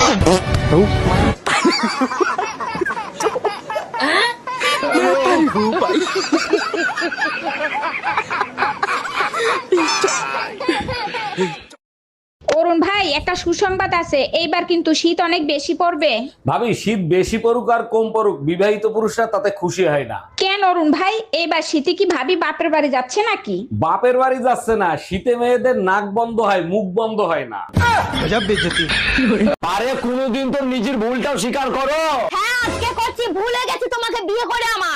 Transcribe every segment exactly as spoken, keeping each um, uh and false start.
অরুণ ভাই, একটা সুসংবাদ আছে, এইবার কিন্তু শীত অনেক বেশি পড়বে। ভাবি, শীত বেশি পড়ুক আর কম পড়ুক, বিবাহিত পুরুষরা তাতে খুশি হয় না। কেন অরুণ ভাই, এইবার শীতে কি ভাবি বাপের বাড়ি যাচ্ছে নাকি? বাপের বাড়ি যাচ্ছে না, শীতে মেয়েদের নাক বন্ধ হয়, মুখ বন্ধ হয় না। আরে কোনোদিন তো নিজের ভুলটাও স্বীকার করো। হ্যাঁ আজকে করছি, ভুলে গেছি তোমাকে বিয়ে করে আমার।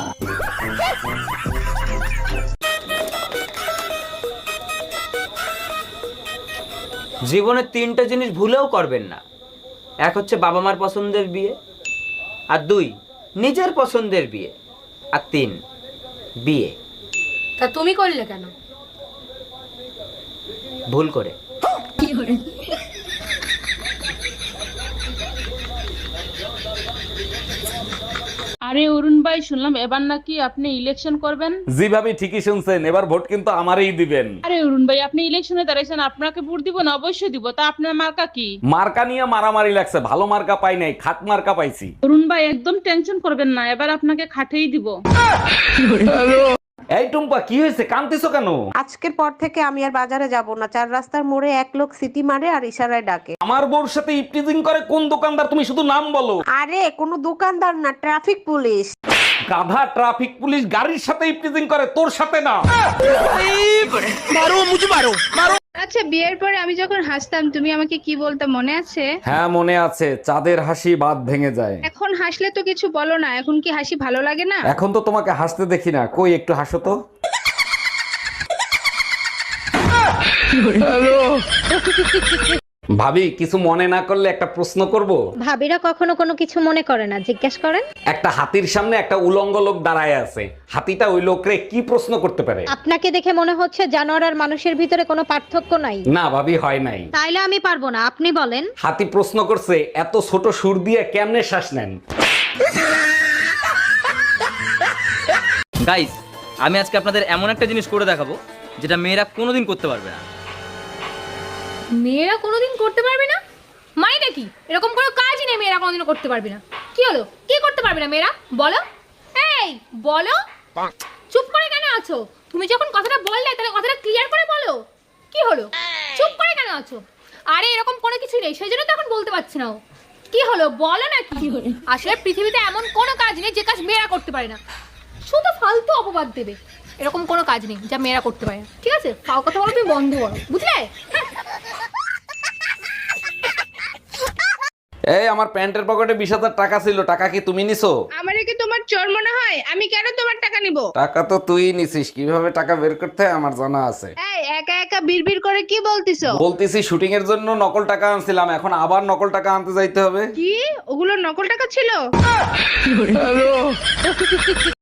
জীবনে তিনটা জিনিস ভুলেও করবেন না। এক হচ্ছে বাবা মার পছন্দের বিয়ে, আর দুই নিজের পছন্দের বিয়ে, আর তিন বিয়ে। তা তুমি করলে কেন? ভুল করে। আরে অরুণ ভাই, শুনলাম এবার নাকি আপনি ইলেকশন করবেন। জি ভাবি, ঠিকই শুনছেন, এবার ভোট কিন্তু আমারই দিবেন। আরে অরুণ ভাই, আপনি ইলেকশনে দাঁড়াইছেন, আপনাকে ভোট দিব না? অবশ্যই দিব। তা আপনার মার্কা কি? মার্কা নিয়ে মারামারি লাগছে, ভালো মার্কা পাই নাই, খাট মার্কা পাইছি। অরুণ ভাই একদম টেনশন করবেন না, এবার আপনাকে খাটেই দিব। এই টুম্পা, কি হয়েছে, কাঁদতেছো কেন? আজকের পর থেকে আমি আর বাজারে যাব না। চার রাস্তার মোড়ে এক লোক সিটি মারে আর ইশারায় ডাকে। আমার বউর সাথে ইপটিজিং করে কোন দোকানদার, তুমি শুধু নাম বলো। আরে কোনো দোকানদার না, ট্রাফিক পুলিশ। গাধা, ট্রাফিক পুলিশ গাড়ির সাথে ইপটিজিং করে, তোর সাথে না। আচ্ছা, বিয়ের পরে আমি যখন হাসতাম তুমি আমাকে কি বলতে মনে আছে? হ্যাঁ মনে আছে, চাঁদের হাসি বাদ ভেঙে যায়। এখন হাসলে তো কিছু বলো না, এখন কি হাসি ভালো লাগে না? এখন তো তোমাকে হাসতে দেখি না, কই একটু হাসো তো। ভাবি, কিছু মনে না করলে একটা প্রশ্ন করব? ভাবিরা কখনো কোনো কিছু মনে করে না, জিজ্ঞেস করেন। একটা হাতির সামনে একটা উলঙ্গ লোক দাঁড়ায় আছে, হাতিটা ওই লোকরে কি প্রশ্ন করতে পারে? আপনাকে দেখে মনে হচ্ছে জানোয়ার আর মানুষের ভিতরে কোনো পার্থক্য নাই। না ভাবি, হয় নাই। তাইলে আমি পারবো না, আপনি বলেন। হাতি প্রশ্ন করছে, এত ছোট সুর দিয়ে কেমনে শ্বাস নেন? গাইস, আমি আজকে আপনাদের এমন একটা জিনিস করে দেখাবো যেটা মেয়েরা কোনোদিন করতে পারবে না। মেয়েরা কোনোদিন করতে পারবে না মানে নাকি? এরকম কোনো কাজই নেই মেয়েরা কোনোদিন করতে পারবে না। কি হলো, কি করতে পারবে না মেয়েরা? বলো, এই বলো। চুপ করে কেন আছো? তুমি যখন কথাটা বললে তাহলে কথাটা ক্লিয়ার করে বলো। কি হলো, চুপ করে কেন আছো? আরে এরকম কোনো কিছু নেই, সেই জন্য তো এখন বলতে পারছি না। কি হলো বলো না। কি আসলে পৃথিবীতে এমন কোনো কাজ নেই যে কাজ মেয়েরা করতে পারে না। শুধু ফালতু অপবাদ দেবে। এরকম কোনো কাজ নেই যা মেয়েরা করতে পারে না, ঠিক আছে? ফাও কথা বলো তুমি বন্ধ করো, বুঝলে? এই, আমার প্যান্টের পকেটে বিশ হাজার টাকা ছিল, টাকা কি তুমি নিছো? আমারে কি তোমার চোর মনে হয়? আমি কেন তোমার টাকা নিব? টাকা তো তুই নিছিস, কিভাবে টাকা বের করতে হয় আমার জানা আছে। এই একা একা বিড়বিড় করে কি বলতিছো? বলতেছি শুটিং এর জন্য নকল টাকা আনছিলাম, এখন আবার নকল টাকা আনতে যাইতে হবে। কি ওগুলো নকল টাকা ছিল?